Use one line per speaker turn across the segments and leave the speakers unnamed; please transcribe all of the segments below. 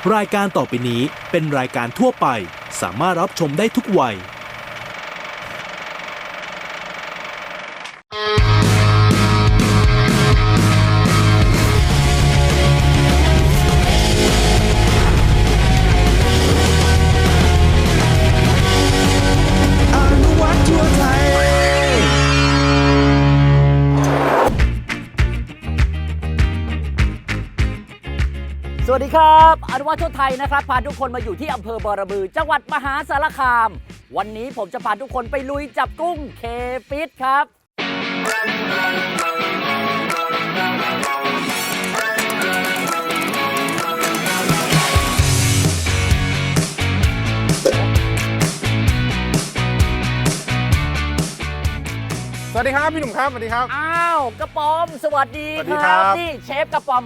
รายการต่อไปนี้เป็นรายการทั่วไปสามารถรับชมได้ทุกวัย
สวัสดีครับอนุวัฒน์ทั่วไทยนะครับพาทุกคนมาอยู่ที่อำเภอบอระบือจังหวัดมหาสารคามวันนี้ผมจะพาทุกคนไปลุยจับกุ้งเคฟิตครับ
สวัสดีครับพี่หนุ่มครับสวัสดีครับ
อ้าวกระป๋อมสวัสดี
สวัสดี
ค
ครั
รับบ นี่เชฟกระป๋อม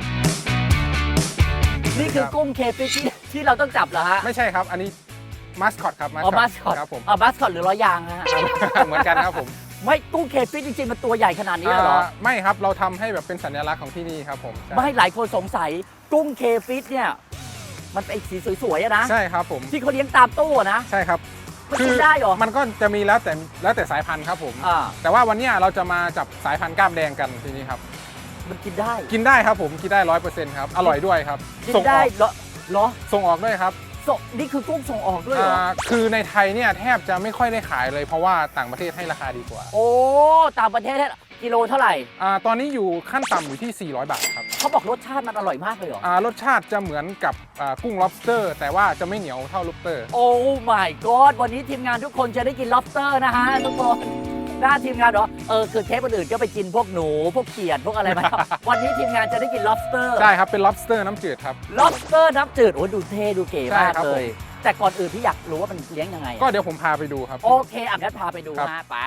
นี่คือกุ้งเคฟิตที่เราต้องจับเหรอฮะ
ไม่ใช่ครับอันนี้มาสคอตครับ
มาสคอต
ครับผม
มาสคอตหรือล้อยางฮะ
เหมือนกันครับผม
ไม่กุ้งเคฟิตจริงๆมันตัวใหญ่ขนาดนี้เหรอ
ไม่ครับเราทำให้แบบเป็นสัญลักษณ์ของที่นี่ครับผม
ไม่หลายคนสงสัยกุ้งเคฟิตเนี่ยมันเป็นสีสวยๆนะ
ใช่ครับผม
ที่เขาเลี้ยงตามตู้นะ
ใช่ครับ
มันกินได้เหรอ
มันก็จะมีแล้วแต่สายพันธุ์ครับผมแต่ว่าวันนี้เราจะมาจับสายพันธุ์กล้ามแดงกันทีนี้ครับ
มันกินได้
ครับผมกินได้ 100% ครับอร่อยด้วยครับ
กินได้เหรอ
ส่งออกด้วยครับ
นี่คือกุ้งส่งออกด้วยเหรอ
คือในไทยเนี่ยแทบจะไม่ค่อยได้ขายเลยเพราะว่าต่างประเทศให้ราคาดีกว่า
โอ้ต่างประเทศกิโลเท่าไหร่
ตอนนี้อยู่ขั้นต่ำอยู่ที่400 บาทครับ
เขาบอกรสชาติมันอร่อยมากเลยเหรอ
รสชาติจะเหมือนกับกุ้ง lobster แต่ว่าจะไม่เหนียวเท่า lobster
โอ้ my god วันนี้ทีมงานทุกคนจะได้กิน lobster นะฮะทุกคนหน้าทีมงานเหรอคือเทปอื่นๆก็ไปกินพวกหนูพวกเขียดพวกอะไรมา วันนี้ทีมงานจะได้กิน lobster
ใช่ครับเป็น lobster น้ำจืดครับ
lobster น้ำจืดโอ้ดูเท่ดูเก๋มากเลยแต่ก่อนอื่นพี่อยากรู้ว่ามันเลี้ยงยังไง
ก็เดี๋ยวผมพาไปดูครับ
โอเคงั้นพาไปดูนะไป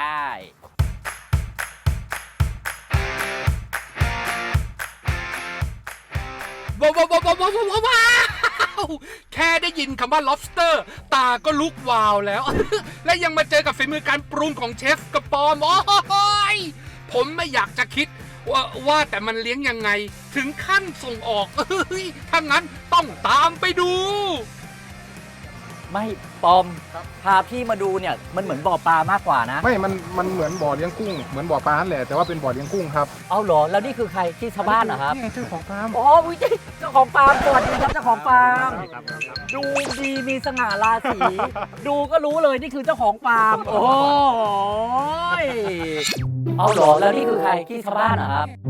ว้าวแค่ได้ยินคำว่า lobster ตาก็ลุกวาวแล้ว และยังมาเจอกับฝีมือการปรุงของเชฟกระปอมโอ้ยผมไม่อยากจะคิดว่าแต่มันเลี้ยงยังไงถึงขั้นส่งออกถ้างั้นต้องตามไปดู
ไม่ปอมพาพี่มาดูเนี่ยมันเหมือนบ่อปลามากกว่านะ
ไม่มันเหมือนบ่อเลี้ยงกุ้งเหมือนบ่อปลาแหละแต่ว่าเป็นบ่อเลี้ยงกุ้งครับ
เอาเหรอแล้วนี่คือใครที่ชาวบ้านเหรอครับ
นี่เจ้าของฟาร์ม
อ๋อเจ้าของฟาร์มสวัสดีครับเจ้าของฟาร์มดูดีมีสง่าราศีดูก็รู้เลยนี่คือเจ้าของฟาร์มโอ้ยเอาเหรอแล้วนี่คือใครที่ชาวบ้านเหรอครับ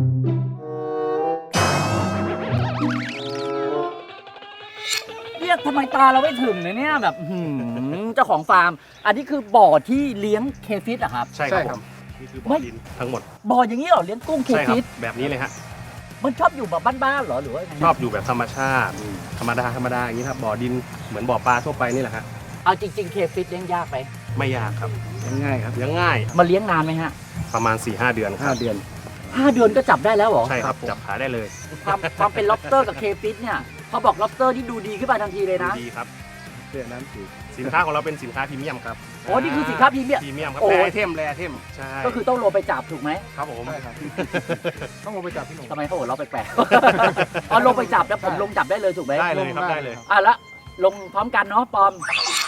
ทำไมตาเราไม่ถึงเนี่ยแบบเจ้าของฟาร์มอันนี้คือบ่อที่เลี้ยงเคฟิตอะครับ
ใช่ครับนี่คือบ่อดินทั้งหมด
บ่ออย่างนี้เหรอเลี้ยงกุ้งเคฟิต
แบบนี้เลยฮะ
มันชอบอยู่แบบบ้านๆเหรอหรือว่า
ชอบอยู่แบบธรรมชาติธรรมดาอย่างนี้ครับบ่อดินเหมือนบ่อปลาทั่วไปนี่แหละฮะ
เอาจริงๆเคฟิตเลี้ยงยากไหม
ไม่ยากครับ
ง่ายครับ
เลี้ยงง่าย
มาเลี้ยงนานไหมฮะ
ประมาณ 4-5 เดือนครับ
5 เดือน
ก็จับได้แล้วเหรอ
ใช่ครับจับขายได้เลย
ความเป็น lobster กับเคฟิตเนี่ยเขาบอก lobster ที่ดูดีขึ้นมาทันทีเลยนะ
ดีครับเรื่องนั้นคือสินค้าของเราเป็นสินค้าพรีเมียมครับ
โอ้นี่คือสินค้าพรีเมี
ยมครับแรไอเทมใช่
ก็คือต้องลงไปจับถูกไหม
ครับผม
ใช่ครับต้องลงไปจับพี่หนุ่ม
ทำไมเขาหัวเราะแปลกๆลงไปจับแล้วผมลงจับได้เลยถูกไหม
ได้เลยครับได้เลย
แล้วลงพร้อมกันเนาะปอม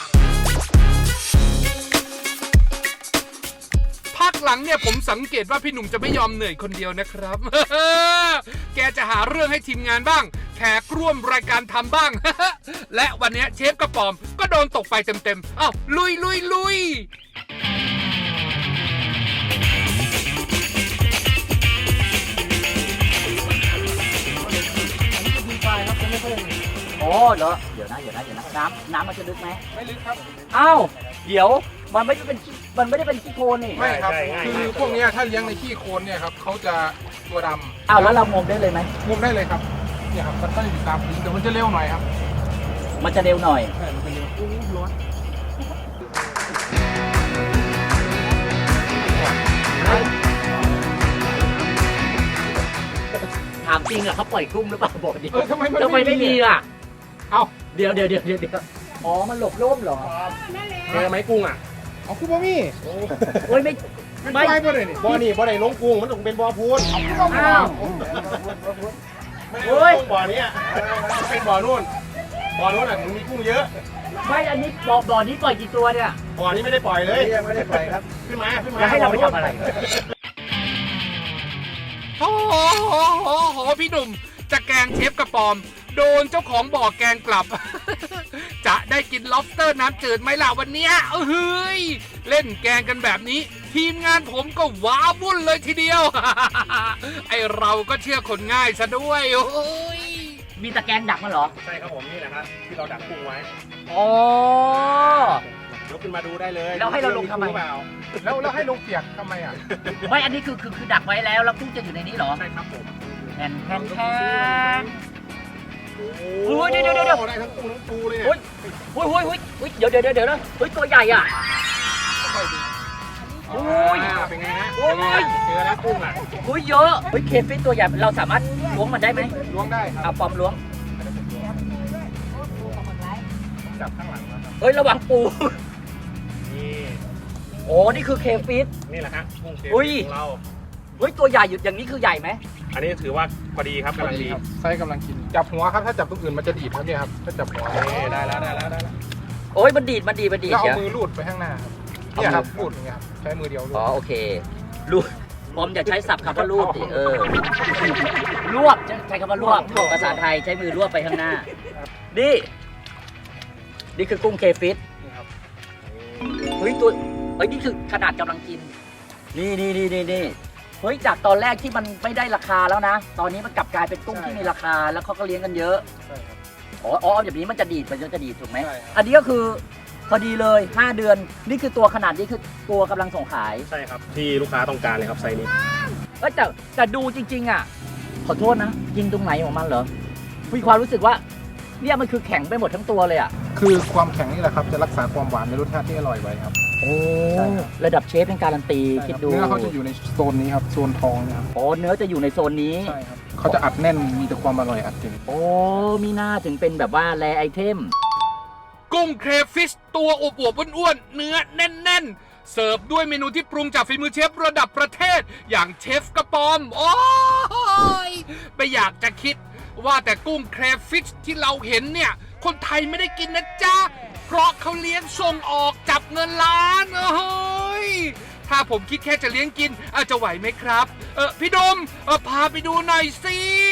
พักหลังเนี่ยผมสังเกตว่าพี่หนุ่มจะไม่ยอมเหนื่อยคนเดียวนะครับ แกจะหาเรื่องให้ทีมงานบ้างแขกร่วมรายการทำบ้าง และวันนี้เชฟกระป๋อมก็โดนตกไปเต็มๆอ้าวลุย
โอ้เหรอเดี๋ยวนะน้ำมันจะลึกไหม
ไม่ลึกครับ
อ้าวเดี๋ยวมันไม่ได้เป็นขี้โคลนนี่
ไม่ครับคือพวกนี้ถ้าเลี้ยงในขี้โคลนเนี่ยครับเขาจะตัวดำ
อ้าวแล้วเรางมได้เลยไหม
งมได้เลยครับเนี่ยครับมันก็อยู่ตามพื้นแต่มันจะเร็วหน่อยครับ
มันจะเร็วหน่อย
ใช่มันจะเร็วร้อน
ถามจริงอะเขาปล่อยกุ้งหรือเปล่าบอกดิ
ทำไม
ไม่มีล่ะ
เอา
เดี๋ยวอ๋อมันหลบร่มเหรอ
เจอไหมกุ้งอ่ะ
เอากุ้งบ่มี
โอ้ยไม่
บ่ได้นี่
บ่ได้ลงกุ้งมันต้องเป็นบ่อพูน
อ้าว
โอ้ยบ่อนี้เป็นบ่อนู่นบ่อนู้นอ่ะถึงมีกุ้งเยอะ
ไม่อันนี้บ่อนี้ปล่อยกี่ตัวเนี่ย
บ่อนี้ไม่ได้ปล่อยเลยยังไม่ได้ปล่อยครับขึ้นมา
จะให้เราไปทำอะไร
โอ้โหพี่หนุ่มจะแกล้งเชฟกระปอม โดนเจ้าของบ่อแกล้งกลับ จะได้กิน lobster น้ำจืดไหมล่ะวันเนี้ยเฮ้ยเล่นแกล้งกันแบบนี้ ทีมงานผมก็ว้าวุ่นเลยทีเดียว ไอเราก็เชื่อคนง่ายซะด้วยโอ้ย
มีตะแกรงดักมันเหรอ
ใช่ครับผมนี่แหละครับที่เราดักกุ้งไว้
อ๋อย
กขึ้นมาดูได้เลย
แล้วให้เราลงทำไม
เปล่า
แล้วให้ลงเปียกทำไมอ่ะ
ไม่อันนี้คือดักไว้แล้วกุ้งจะอยู่ในนี้เหรอ
ใช่ครับผม
แทน
โอ้
โอ้ยเดี๋ยว
ได้ทั้งกุ้งทั้งปูเลยเนี่ย
อุ้ยเดี๋ยวนะเฮ้ยตัวใหญ่อ่ะโอ้ย
เป็นไงฮะ
โอ้ย
เจอแล้วกุ้งอ่ะ
อุ้ยเยอะเฮ้ยเคฟิตตัวใหญ่เราสามารถล้วงมันได้ไหม
ล้วงได้ครับ
เอาปอมล้วง
จับข้างหลังนะครับ
เฮ้ยระวังปู
นี่
โอ้นี่คือเคฟิต
นี่แหละฮะกุ้งเชฟ
อุ้ย
ของเรา
เฮ้ยตัวใหญ่อยู่อย่างนี้คือใหญ่ไหม
อันนี้ถือว่าพอดีครับกำลังดี
ครับไซส์กำลังกิน จับหัวครับ ถ้าจับตรงอื่นมันจะดีดครับเนี่ยครับ ถ้าจับหัว
นี่ได้แล้ว
โอ้ยมันดีด
แล้ว
เดี๋
เอา
ยว
มือลูดไปข้างหน้าครับเนี่ยครับลูดอย่างเงี้ยครับ ใช้มือเดียวลูด
อ๋อโอเครูดปอมอย่าใช้ศัพท์คำว่ารูดดิรวบใช้คำว่ารวบภาษาไทยใช้มือรวบไปข้างหน้านี่คือกุ้งเคฟิต
นี่ครับ
เฮ้ยนี่คือขนาดกำลังกินนี่เฮ้ยจากตอนแรกที่มันไม่ได้ราคาแล้วนะ ตอนนี้มันกลับกลายเป็นกุ้งที่มีราคาแล้วเขาก็เลี้ยงกันเยอะ
ใช่ครับ
อ๋อแบบนี้มันจะดีดถูกไหม
ใช่ครับ
อันนี้ก็คือพอดีเลย5เดือนนี่คือตัวขนาดนี้คือตัวกำลังส่งขาย
ใช่ครับที่ลูกค้าต้องการเลยครับไซส์นี้
แต่ดูจริงๆอ่ะขอโทษนะกินตรงไหนของมันเหรอมีความรู้สึกว่าเนี่ยมันคือแข็งไปหมดทั้งตัวเลยอ่ะ
คือความแข็งนี่แหละครับ จะรักษาความหวานในรสชาติที่อร่อยไว้ครับ
โอ้
ใช่ครับ
ระดับเชฟเป็นการันตี
ใช่
คิด
ครับ
ดู
เนื้อเขาจะอยู่ในโซนนี้ครับ โซนทองเนะครับ
โอ้เนื้อจะอยู่ในโซนนี้
ใช่ครับเขาจะอัดแน่น มีแต่ความอร่อยอัดเต็ม
โอ้มีหน้าถึงเป็นแบบว่าแรไอเทม
กุ้งเครฟิชตัวอวบๆอ้วนๆเนื้อแน่นๆ เสิร์ฟด้วยเมนูที่ปรุงจากฝีมือเชฟระดับประเทศ อย่างเชฟกระปอม โอ้ยไม่อยากจะคิดว่าแต่กุ้งเครฟิชที่เราเห็นเนี่ย คนไทยไม่ได้กินนะจ๊ะ เพราะเขาเลี้ยงส่งออกจับเงินล้านโอ้ยถ้าผมคิดแค่จะเลี้ยงกินอาจจะไหวไหมครับ พี่ดมพาไปดูหน่อยสิ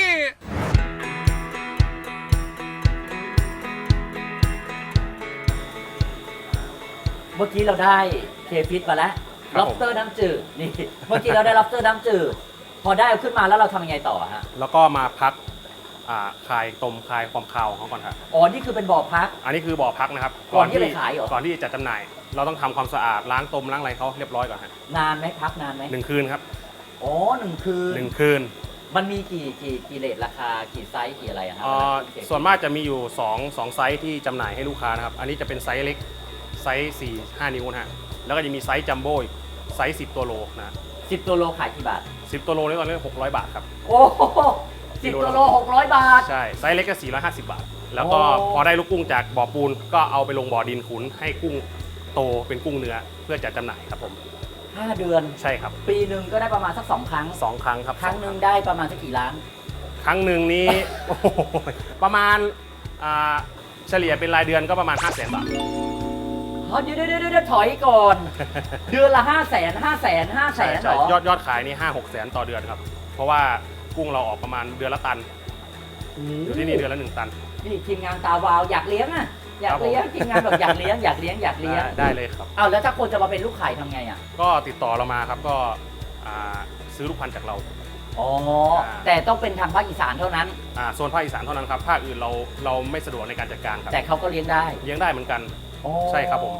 เมื่อกี้เราได้เคฟิตมาแล้ว
ครับผม
lobster น้ำจืดนี่เมื่อกี้เราได้ lobster น้ำจืดพอได้เอาขึ้นมาแล้วเราทำยังไงต่อฮะ
แล้วก็มาพักคลายความคาวของเขาก่อนครับ
อ๋อนี่คือเป็นบ่อพัก
อันนี้คือบ่อพักนะครับ
ก่อนที่จะไปขายเหรอ
ก่อนที่จะจำหน่าย เราต้องทำความสะอาดล้างต้มล้างอะไรเขาเรียบร้อยก่อนฮะ
นานไหมพักนานไหม
1 คืนครับ
อ๋อ1 คืน
1 คืน
มันมีกี่เรทราคากี่ไซส์กี่อะไรอะครับ
ส่วนมากจะมีอยู่2ไซส์ที่จำหน่ายให้ลูกค้านะครับ อันนี้จะเป็นไซส์เล็กไซส์4-5 นิ้วนะฮะแล้วก็จะมีไซส์จัมโบ้อีกไซส์10 ตัวโลนะ
10 ตัวโลขายกี่บาท
10 ตัวโลนี่ตอนนี้600 บาทครับ
โอ้โห10 ตัวโล600 บาท
ใช่ไซส์เล็กก็450 บาท แล้วก็
โอ้
พอได้ลูกกุ้งจากบ่อปูนก็เอาไปลงบ่อดินขุนให้กุ้งโตเป็นกุ้งเนื้อเพื่อจะจำหน่ายครับผม
5 เดือน
ใช่ครับ
ปีหนึ่งก็ได้ประมาณสัก2 ครั้ง
2 ครั้งครับ
ครั้งหนึ่งได้ประมาณสักกี่ล้าน
ครั้งหนึ่งนี้ โอ้โหประมาณเฉลี่ยเป็นรายเดือนก็ประมาณ 500,000 บาท
เดี๋ยวถอยก่อน เดือนละ500,000เหรอ
ยอดขายนี่5-6 แสนต่อเดือนครับ เพราะว่ากุ้งเราออกประมาณเดือนละตัน อยู่ที่นี่เดือนละ 1 ตัน
นี่ทีมงานตาวาวอยากเลี้ยงอ่ะอยากเลี้ยงทีมงานแบบอยากเลี้ยง
ได้เลยครับ
เอาแล้วถ้าคนจะมาเป็นลูกไข่ทำไงอ่ะ
ก็ติดต่อเรามาครับก็ซื้อลูกพันธุ์จากเรา
อ๋อแต่ต้องเป็นทางภาคอีสานเท่านั้น
โซนภาคอีสานเท่านั้นครับภาคอื่นเราไม่สะดวกในการจัดการครับ
แต่เขาก็เลี้ยงได้
เลี้ยงได้เหมือนกัน
อ๋อ
ใช่ครับผม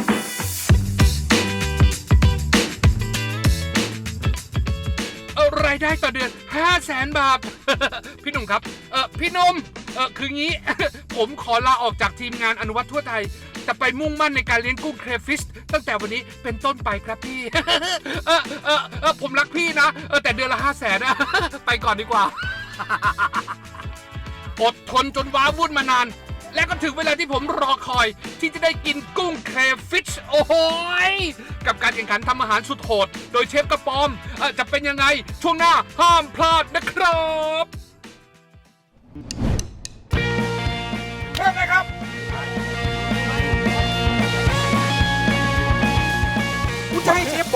รายได้ต่อเดือน 500,000 บาท พี่หนุ่มครับ พี่หนุ่มคืองี้ ผมขอลาออกจากทีมงานอนุวัตทั่วไทย จะไปมุ่งมั่นในการเลี้ยงกุ้งเครฟิชตั้งแต่วันนี้เป็นต้นไปครับพี่ ผมรักพี่นะ แต่เดือนละ 500,000นะ ไปก่อนดีกว่า อดทนจนว้าวุ่นมานาน และก็ถึงเวลาที่ผมรอคอยที่จะได้กินกุ้งเครฟิชโอ้โหยกับการแข่งขันทำอาหารสุดโหดโดยเชฟกระปอมจะเป็นยังไงช่วงหน้าห้ามพลาดนะครับ
เริ่มเลยครับ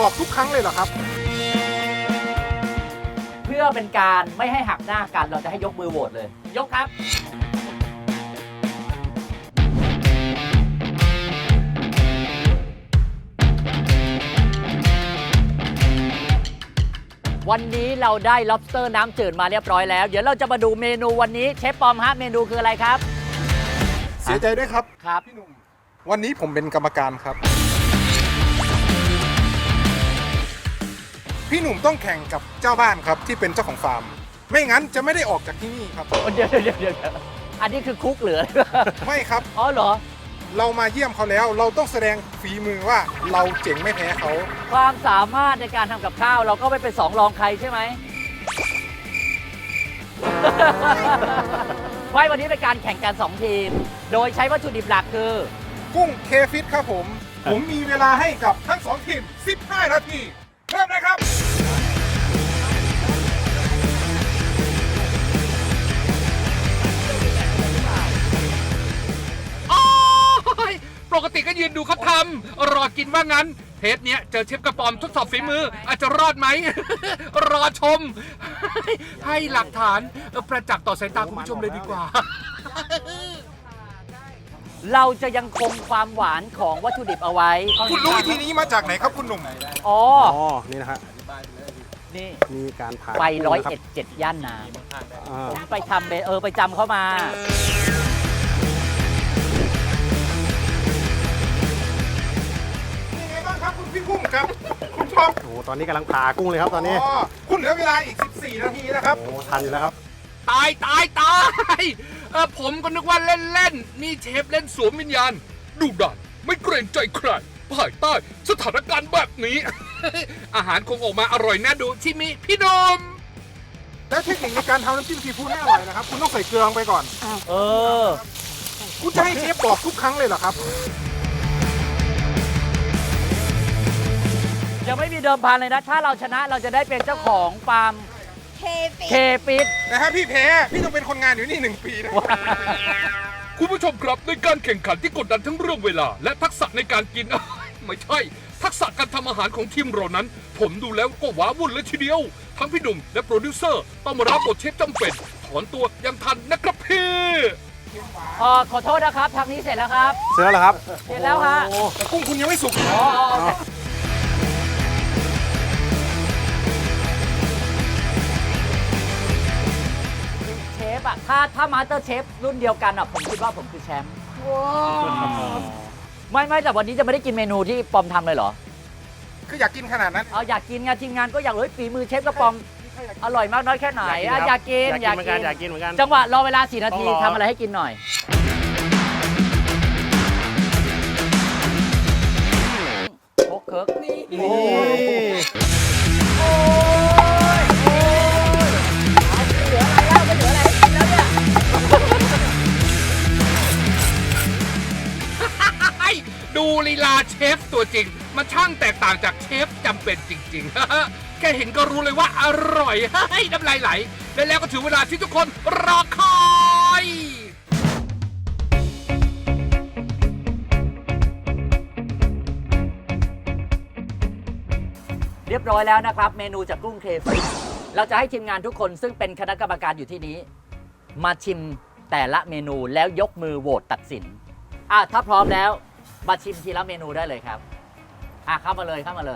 บอกทุกครั้งเลยเหรอครับ
เพื่อเป็นการไม่ให้หักหน้ากันเราจะให้ยกมือโหวตเลย ยกครับ วันนี้เราได้ lobster น้ำจืดมาเรียบร้อยแล้ว เดี๋ยวเราจะมาดูเมนูวันนี้เชฟปอมฮะเมนูคืออะไรครับ
เสียใจด้วยครับ
ครับ
พี่หนุ่มวันนี้ผมเป็นกรรมการครับ พี่หนุ่มต้องแข่งกับเจ้าบ้านครับที่เป็นเจ้าของฟาร์ม ไม่งั้นจะไม่ได้ออกจากที่นี่ครับ
เดี๋ยวอันนี้คือคุกเหลือ
ไม่ครับ
อ๋อเหรอ
เรามาเยี่ยมเขาแล้ว เราต้องแสดงฝีมือว่าเราเจ๋งไม่แพ้เขา
ความสามารถในการทำกับข้าวเราก็ไม่เป็นสองรองใครใช่ไหม ไว้วันนี้เป็นการแข่งกัน 2 ทีม โดยใช้วัตถุดิบหลักคือ
กุ้งเคฟิตครับผม ผมมีเวลาให้กับทั้ง2ทีม 15 นาที เริ่มเลยครับ
โอ้ยปกติก็ยืนดูเขาทำรอกินว่างั้น เทปเนี้ยเจอเชฟกระป๋อมทดสอบฝีมือ อาจจะรอดไหม รอชม ให้หลักฐานประจักษ์ต่อสายตาคุณผู้ชมเลยดีกว่า
เราจะยังคงความหวานของวัตถุดิบเอาไว้
คุณรู้วิธีนี้มาจากไหนครับคุณหนุ่ม
อ๋อ
อ๋อ นี่นะฮะ
นี่
มีการผ่า
ไป
กุ้งนะคบ
101 ย่านน้
อ่า
ำผมไปทำไปจำเข้ามา
เป็นไงบ้างครับคุณพี่กุ้งครับ คุณชอบ
โอ้โหตอนนี้กำลังผ่ากุ้งเลยครับตอนนี้
อ๋อคุณเหลือเวลาอีก 14 นาทีนะครับ
โอ้โหทันอยู่แล้วครับ
ตายผมก็นึกว่าเล่นๆ นี่เชฟเล่นสวมวิญญาณดุดันไม่เกรงใจใครภายใต้สถานการณ์แบบนี้ อาหารคงออกมาอร่อยน่าดูชิมิพี่นม
แล้วเทคนิคในการทำน้ำจิ้มซีฟู้ดให้อร่อยนะครับ คุณต้องใส่เกลือลงไปก่อน
เออ
คุณจะให้เชฟบอกทุกครั้งเลยเหรอครับ
ยังไม่มีเดิมพันเลยนะ ถ้าเราชนะเราจะได้เป็นเจ้าของฟาร์ม เคฟิต
แต่ถ้าพี่แพ้ พี่ต้องเป็นคนงานอยู่นี่ 1 ปีนะ
คุณผู้ชมครับในการแข่งขันที่กดดันทั้งเรื่องเวลา และทักษะในการกิน ไม่ใช่ ทักษะการทำอาหารของทีมเรานั้น ผมดูแล้วก็ว้าวุ่นเลยทีเดียว ทั้งพี่หนุ่มและโปรดิวเซอร์ต้องมารับบทเชฟจำเป็น ถอนตัวยังทันนะครับพี่
ขอโทษนะครับ ทางนี้เสร็จแล้วครับ
เสร็จแล้วเหรอครับ
เสร็จแล้วฮะ
แต่กุ้งคุณยังไม่สุก
เชฟอะถ้ามาสเตอร์เชฟรุ่นเดียวกันอะผมคิดว่าผมคือแชมป์ไม่แต่วันนี้จะไม่ได้กินเมนูที่ปอมทำเลยเหรอ
คืออยากกินขนาดนั้น
เอาอยากกินงานทีมงานก็อยากฝีมือเชฟกระปอมอร่อยมากน้อยแค่ไหนอะอยากกิน
อยากกินเหมือนกันอยากกินเหมือนกัน
จังหวะรอเวลา4 นาที
ต้องรอ
ทำอะไรให้กินหน่อยโคกเคิร์กนี่
นี่
เหลืออะไรแล้วไม่เหลืออะไรให้กินแล้วเนี่ย
ดูลีลาเชฟตัวจริง มันช่างแตกต่างจากเชฟจำเป็นจริงๆ แค่เห็นก็รู้เลยว่าอร่อย น้ำลายไหล และแล้วก็ถึงเวลาที่ทุกคนรอคอย
เรียบร้อยแล้วนะครับ เมนูจากกุ้งเคฟิชเราจะให้ทีมงานทุกคนซึ่งเป็นคณะกรรมการอยู่ที่นี้ มาชิมแต่ละเมนูแล้วยกมือโหวตตัดสินถ้าพร้อมแล้วมาชิมทีละเมนูได้เลยครับเข้ามาเลย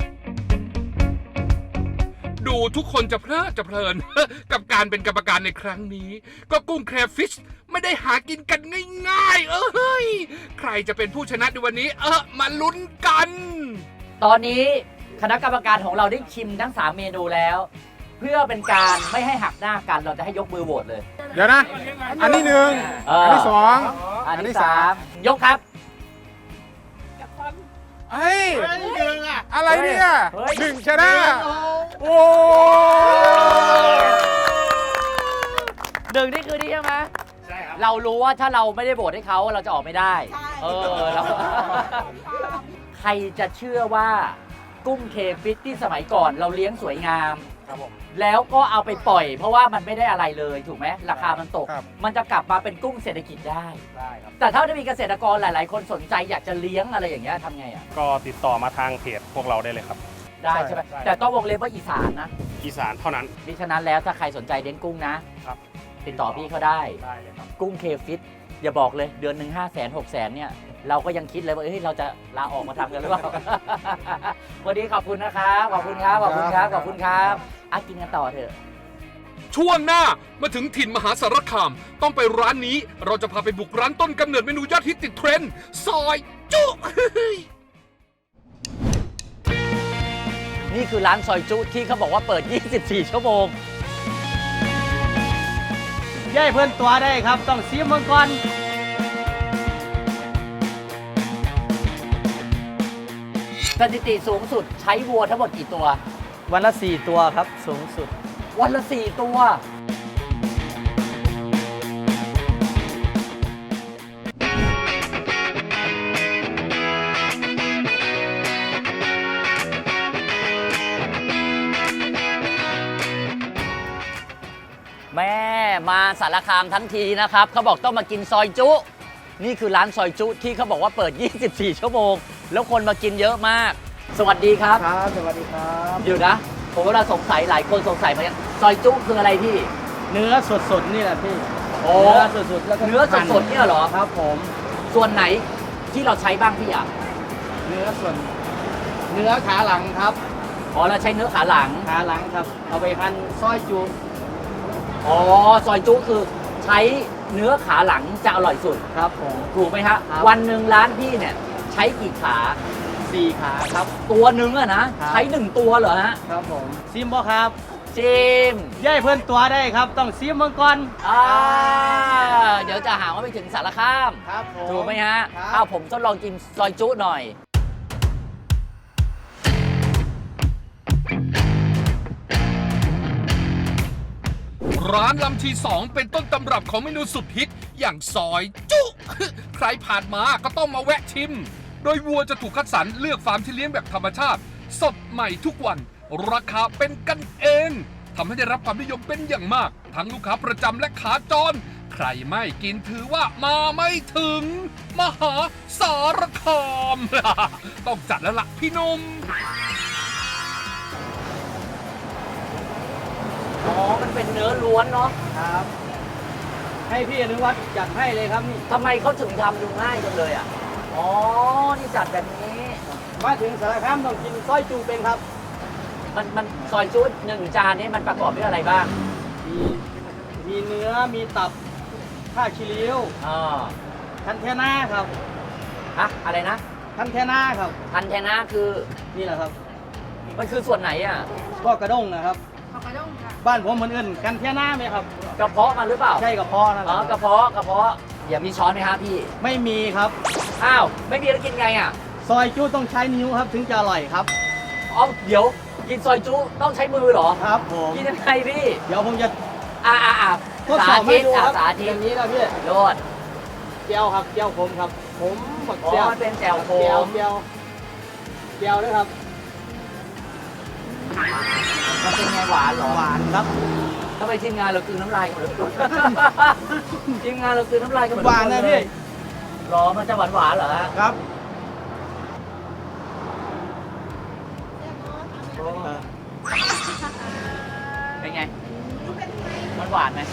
ดูทุกคนจะเพลิน กับการเป็นกรรมการในครั้งนี้ ก็กุ้งแครฟิชไม่ได้หากินกันง่ายๆ ใครจะเป็นผู้ชนะในวันนี้ มาลุ้นกัน
ตอนนี้คณะกรรมการของเราได้ชิมทั้ง3เมนูแล้ว เพื่อเป็นการไม่ให้หักหน้ากันเราจะให้ยกมือโหวตเลย
เดี๋ยวนะ อันที่ 1 อันที่ 2
อัน
อันที่
ที่3ยกครับ
เฮ้ยอะไรเนี่ย
เฮ้ย
1 ชนะ โอ้
หนึ่งนี่คือนี่ใช่ไหมใช่ครับเรารู้ว่าถ้าเราไม่ได้โหวตให้เขาเราจะออกไม่ได้เราใครจะเชื่อว่ากุ้งเคฟิตที่สมัยก่อนเราเลี้ยงสวยงาม
ครับผม
แล้วก็เอาไปปล่อย เพราะว่ามันไม่ได้อะไรเลยถูกไหมราคามันตก
ครับ
มันจะกลับมาเป็นกุ้งเศรษฐกิจได้
ได้ครับ
แต่ถ้าจะมีเกษตรกรหลาย ๆ คนสนใจอยากจะเลี้ยงอะไรอย่างเงี้ยทำไงอ่ะ
ก็ติดต่อมาทางเพจพวกเราได้เลยครับ
ได้ใช่ไหมแต่ต้องวงเล็บว่าอีสานนะ
อีสานเท่านั้น
มิฉะนั้นแล้วถ้าใครสนใจเลี้ยงกุ้งนะ
ครับ
ติดต่อพี่เขาได้
ได้เลยครับ
กุ้งเคฟิตอย่าบอกเลยเดือนหนึ่ง500,000 600,000เนี่ยเราก็ยังคิดเลยว่าเฮ้ยเราจะลาออกมาทำกันหรือเปล่า วันนี้ขอบคุณนะครับขอบคุณครับขอบคุณครับขอบคุณครับกินกันต่อเถอะ
ช่วงหน้ามาถึงถิ่นมหาสารคาม ต้องไปร้านนี้เราจะพาไปบุกร้านต้นกำเนิดเมนูยอดฮิตติดเทรนด์ซอยจุ
นี่คือร้านซอยจุที่เขาบอกว่าเปิด 24 ชั่วโมง
ย่ายเพื่อนตัวได้ครับ ต้องซีมังกร
สถิติสูงสุดใช้วัวทั้งหมดกี่ตัว
วันละ 4 ตัวครับ สูงสุด
วันละ 4 ตัว แม่มาสารคามทั้งทีนะครับเขาบอกต้องมากินซอยจุ นี่คือร้านซอยจุที่เขาบอกว่าเปิด 24 ชั่วโมง แล้วคนมากินเยอะมาก สวัสดีครับ
ครับ สวัสดีครับ
อยู่นะ ผมเวลาสงสัยหลายคนสงสัยเหมือนกันซอยจุคืออะไรพี่
เนื้อสดๆนี่แหละพี่
โอ้
เนื้อสดๆแล้วก็
เนื้อสดๆเนี่ยเหรอ
ครับผม
ส่วนไหนที่เราใช้บ้างพี่อ่ะ
เนื้อส่วน เนื้อขาหลังครับ
อ๋อเราใช้เนื้อขาหลัง
ขาหลังครับ เอาไปหั่นซอยจุ
อ๋อซอยจุคือใช้เนื้อขาหลังจะอร่อยสุด
ครับผม
ถูกไหมฮะ
ครับ
วันหนึ่งร้านพี่เนี่ยใช้กี่ขา
4 ขาครับ
ตัวหนึ่งอะนะ
ครับ
ใช้1ตัวเหรอฮะ
ครับผมซิมบ่ครับ
จิม
ย่ายเพื่อนตัวได้ครับ ต้องซีมังกร
เดี๋ยวจะหาว่าไปถึงสารคาม
ครับผม
ถูกไหมฮะ
ครับ
อ้าวผมทดลองกินซอยจุหน่อย
ร้านลำที2เป็นต้นตำรับของเมนูสุดฮิตอย่างซอยจุ ใครผ่านมาก็ต้องมาแวะชิม โดยวัวจะถูกคัดสรรเลือกฟาร์มที่เลี้ยงแบบธรรมชาติ สดใหม่ทุกวัน ราคาเป็นกันเองทำให้ได้รับความนิยมเป็นอย่างมาก ทั้งลูกค้าประจำและขาจร ใครไม่กินถือว่ามาไม่ถึง มหาสารคาม ต้องจัดแล้วล่ะพี่หนุ่ม
อ๋อ มันเป็นเนื้อล้วนเนาะ
ครับ ให้พี่อนุวัฒน์จัดให้เลยครับนี่
ทำไมเขาถึงทำดูง่ายจังเลยอ่ะ อ๋อ นี่จัดแบบนี้
มาถึงสารคามต้องกินซอยจุเป็นครับ
มันซอยจุหนึ่งจานนี้มันประกอบด้วยอะไรบ้าง
มีเนื้อ มีตับผ้าคีริ้ว
อ๋อ
คันเทน่าครับ
อะอะไรนะ
คันเทน่าครับ
พันแทนาคือ
นี่แหละครับ
มันคือส่วนไหนอ่ะ
ก็กระด้งนะครับบ้านผมเหมือนเอิ้นกันเทน่าไหมครับ
กระเพาะมันหรือเปล่า
ใช่กระเพาะนั่นแห
อ๋อ
ละ
กระเพาะ กระเพาะ อย่ามีช้อนไหมฮะพี่
ไม่มีครับ
อ้าว ไม่มีแล้วกินไงอ่ะ
ซอยจุต้องใช้นิ้วครับถึงจะอร่อยครับ
อ๋อ เดี๋ยว กินซอยจุต้องใช้มือเหรอ
ครับผม
กินยังไงพี่
เดี๋ยวผมจะ ทดส
สา
อบให้
ธิต
ดูครับ
สาธิ
อ
ต
ย่างนี้นะพี่
โยน
เจียวครับเจียวผมครับ ผมบัก
อ๋อ
เจียว
มันเป็นแจ่วโค
เจียว
ม
เจียวเจียวด้วยครับ
มันเป็นไงหวานเหรอ
หวานครับ
ทำไมทีมงานเรากลืนน้ำลายกันหมดเลย ทีมงานเรากลืนน้ำลายกันหมด
หวานนะพี่
หรอมันจะหวานหวานๆเหรอฮะ
ครับ
เป็นไง มันหวานไหม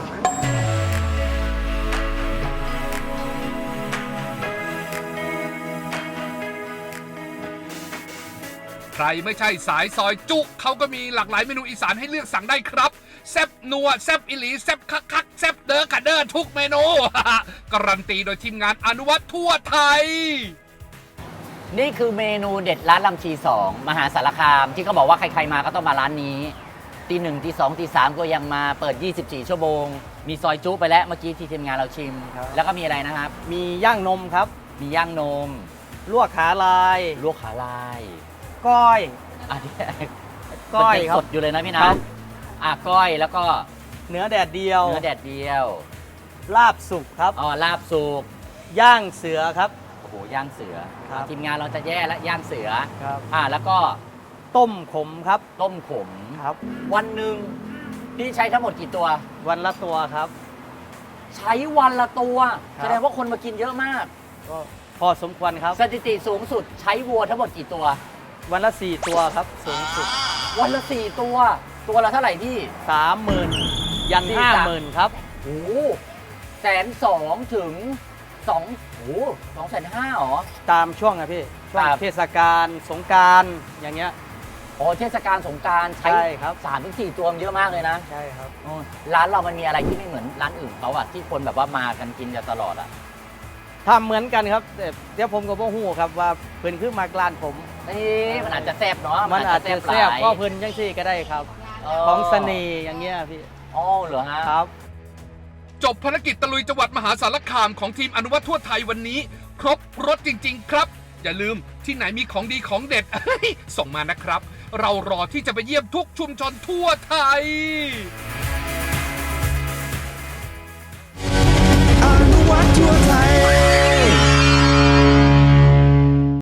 ใครไม่ใช่สายซอยจุเขาก็มีหลากหลายเมนูอีสานให้เลือกสั่งได้ครับ แซบนัวแซบอิหลีแซบคักแซบเด้อกะเด้อทุกเมนู การันตีโดยทีมงานอนุวัตทั่วไทย
นี่คือเมนูเด็ดร้านลำชี2มหาสารคามที่เขาบอกว่าใครๆมาก็ต้องมาร้านนี้ตีหนึ่งตีสองตีสามก็ยังมาเปิด 24 ชั่วโมง มีซอยจุไปแล้วเมื่อกี้ที่ทีมงานเราชิม
ครับ
แล้วก็มีอะไรนะครับ
มีย่างนมครับ
มีย่างนม
ลวกขาลาย
ลวกขาลาย
ก้อย
อันนี้
ก้อย
มันยัง
ครับ
สดอยู่เลยนะพี่นะครับ ก้อยแล้วก็
เนื้อแดดเดียว
เนื้อแดดเดียว
ลาบสุกครับ
อ๋อลาบสุก
ย่างเสือครับ
โอ้โหย่างเสือ
ครับ
ทีมงานเราจะแย่แล้วย่างเสือ
ครับ
แล้วก็
ต้มขมครับ
ต้มขม
ครับ
วันหนึ่งพี่ใช้ทั้งหมดกี่ตัว
วันละตัวครับ
ใช้วันละตัว
ครับ
แสดงว่าคนมากินเยอะมาก
ก็พอสมควรครับ
สถิติสูงสุดใช้วัวทั้งหมดกี่ตัว
วันละ 4 ตัวครับสูงสุด
วันละ4ตัว ตัวละเท่าไหร่พี่
30,000 ยัน
สี่สาม
50,000 ครับ
โอ้120,000 ถึง250,000หรอ
ตามช่วงอะพี่ ช่วง
ครับ
เทศกาลสงกรานต์อย่างเงี้ย
อ๋อเทศกาลสงกรานต์
ใช่ครับ
3-4 ตัวมันเยอะมากเลยนะ
ใช่ครับ
ร้านเรามันมีอะไรที่ไม่เหมือนร้านอื่นเขาอะที่คนแบบว่ามากันกินกันตลอดอะ
ทำเหมือนกันครับแต่เดี๋ยวผมก็บ่ฮู้ครับว่าเพิ่นขึ้นมากร้านผม
มันอาจจะแซ่บเนาะ
มันอาจจะแซ่บ
หลาย
ก็เพิ่นจังซี่ก็ได้ครับ ของเสน่ห์อย่างเงี้ยพี่
อ๋อเหรอฮะ
ครับ
จบภารกิจตะลุยจังหวัดมหาสารคามของทีมอนุวัตทั่วไทยวันนี้ ครบรถจริง ๆ ครับ อย่าลืมที่ไหนมีของดีของเด็ด ส่งมานะครับ เรารอที่จะไปเยี่ยมทุกชุมชนทั่วไทย